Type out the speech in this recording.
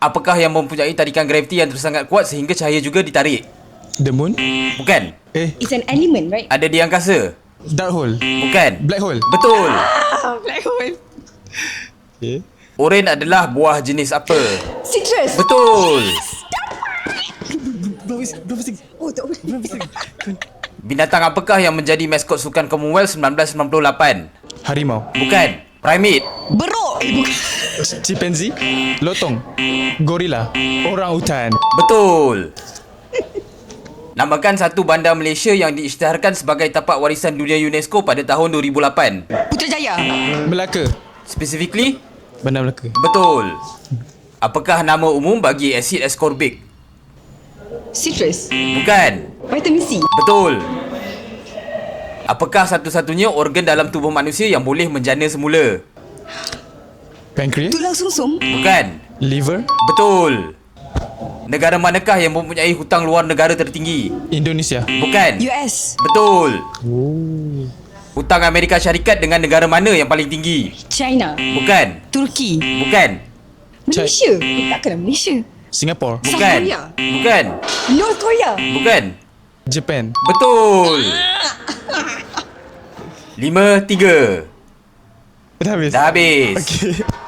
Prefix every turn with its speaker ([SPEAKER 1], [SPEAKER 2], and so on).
[SPEAKER 1] Apakah yang mempunyai tarikan graviti yang sangat kuat sehingga cahaya juga ditarik?
[SPEAKER 2] The moon?
[SPEAKER 1] Bukan.
[SPEAKER 3] It's an element, right?
[SPEAKER 1] Ada di angkasa?
[SPEAKER 2] Dark hole?
[SPEAKER 1] Bukan.
[SPEAKER 2] Black hole?
[SPEAKER 1] Betul.
[SPEAKER 3] Black hole.
[SPEAKER 2] Okay.
[SPEAKER 1] Oren adalah buah jenis apa?
[SPEAKER 3] Citrus.
[SPEAKER 1] Betul.
[SPEAKER 3] Oh, tak boleh.
[SPEAKER 1] Binatang apakah yang menjadi maskot Sukan Commonwealth 1998?
[SPEAKER 2] Harimau?
[SPEAKER 1] Bukan. Primate?
[SPEAKER 3] Beruk. Bukan.
[SPEAKER 2] Chimpanzee? Lotong? Gorila? Orang utan?
[SPEAKER 1] Betul. Namakan satu bandar Malaysia yang diisytiharkan sebagai tapak warisan dunia UNESCO pada tahun 2008.
[SPEAKER 3] Putrajaya.
[SPEAKER 2] Melaka?
[SPEAKER 1] Specifically?
[SPEAKER 2] Bandar Melaka?
[SPEAKER 1] Betul. Apakah nama umum bagi asid ascorbic?
[SPEAKER 3] Citrus.
[SPEAKER 1] Bukan.
[SPEAKER 3] Vitamin C.
[SPEAKER 1] Betul. Apakah satu-satunya organ dalam tubuh manusia yang boleh menjana semula?
[SPEAKER 2] Pancreas?
[SPEAKER 3] Tulang sumsum.
[SPEAKER 1] Bukan.
[SPEAKER 2] Liver?
[SPEAKER 1] Betul. Negara manakah yang mempunyai hutang luar negara tertinggi?
[SPEAKER 2] Indonesia?
[SPEAKER 1] Bukan.
[SPEAKER 3] US.
[SPEAKER 1] Betul. Hutang Amerika Syarikat dengan negara mana yang paling tinggi?
[SPEAKER 3] China.
[SPEAKER 1] Bukan.
[SPEAKER 3] Turki.
[SPEAKER 1] Bukan.
[SPEAKER 3] Malaysia. Takkanlah Malaysia.
[SPEAKER 2] Singapore?
[SPEAKER 1] Bukan.
[SPEAKER 3] South Korea.
[SPEAKER 1] Bukan.
[SPEAKER 3] North Korea.
[SPEAKER 1] Bukan.
[SPEAKER 2] Japan?
[SPEAKER 1] Betul. 5-3.
[SPEAKER 2] Dah habis?
[SPEAKER 1] Dah habis.
[SPEAKER 2] Okay.